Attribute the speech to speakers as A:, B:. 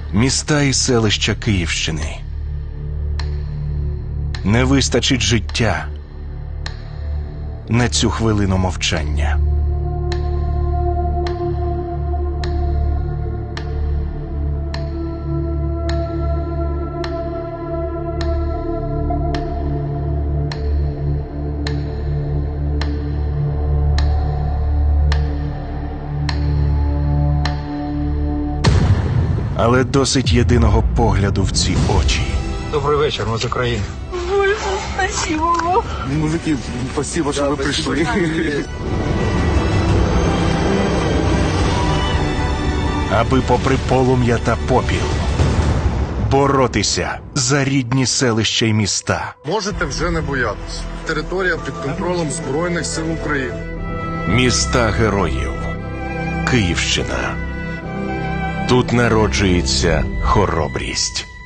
A: Міста і селища Київщини. Не вистачить життя на цю хвилину мовчання. Але досить єдиного погляду в ці очі.
B: Добрий вечір, ми з України.
C: Боже, спасибо вам.
D: Мужики, спасибо, что вы пришли.
A: Аби попри полум'я та попіл боротися за рідні селища й міста.
D: Можете вже не боятися. Територія під контролем Збройних сил України.
A: Міста героїв. Київщина. Тут народжується хоробрість.